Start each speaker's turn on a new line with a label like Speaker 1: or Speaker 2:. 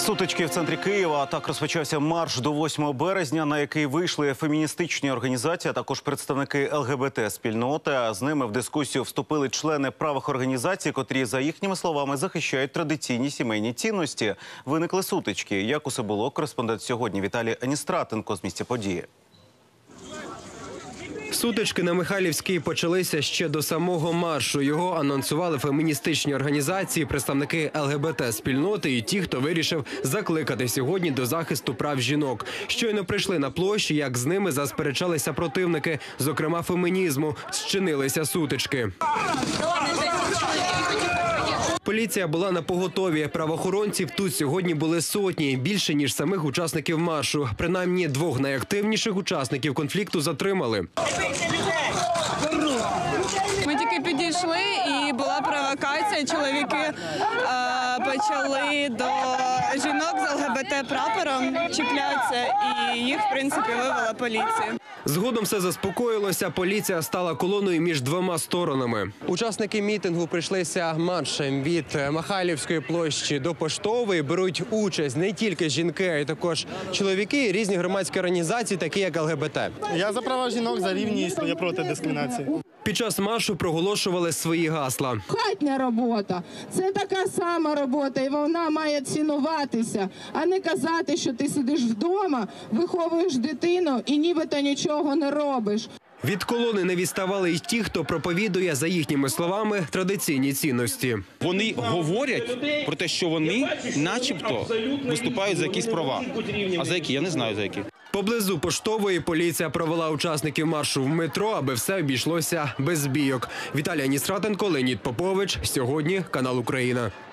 Speaker 1: Сутички в центрі Києва. Так розпочався марш до 8 березня, на який вийшли феміністичні організації, а також представники ЛГБТ-спільноти. А з ними в дискусію вступили члени правих організацій, котрі, за їхніми словами, захищають традиційні сімейні цінності. Виникли сутички. Як усе було? Кореспондент сьогодні Віталій Аністратенко з місця події.
Speaker 2: Сутички на Михайлівській почалися ще до самого маршу. Його анонсували феміністичні організації, представники ЛГБТ-спільноти і ті, хто вирішив закликати сьогодні до захисту прав жінок. Щойно прийшли на площі, як з ними засперечалися противники, зокрема фемінізму, зчинилися сутички. Поліція була напоготові. Правоохоронців тут сьогодні були сотні, більше, ніж самих учасників маршу. Принаймні, двох найактивніших учасників конфлікту затримали.
Speaker 3: Ми тільки підійшли і була провокація. Чоловіки почали до жінок з ЛГБТ-прапором чіплятися і їх, в принципі, вивела поліція.
Speaker 2: Згодом все заспокоїлося, поліція стала колоною між двома сторонами. Учасники мітингу прийшлися маршем від Михайлівської площі до Поштової. Беруть участь не тільки жінки, а й також чоловіки і різні громадські організації, такі як ЛГБТ.
Speaker 4: Я за права жінок, за рівність, я проти дискримінації.
Speaker 2: Під час маршу проголошували свої гасла.
Speaker 5: Хатня робота – це така сама робота, і вона має цінуватися, а не казати, що ти сидиш вдома, виховуєш дитину і нібито нічого не робиш.
Speaker 2: Від колони не відставали й ті, хто проповідує, за їхніми словами, традиційні цінності.
Speaker 6: Вони говорять про те, що вони начебто виступають за якісь права. А за які? Я не знаю за які.
Speaker 2: Поблизу Поштової поліція провела учасників маршу в метро, аби все обійшлося без бійок. Віталій Аністратенко, Леонід Попович. Сьогодні канал Україна.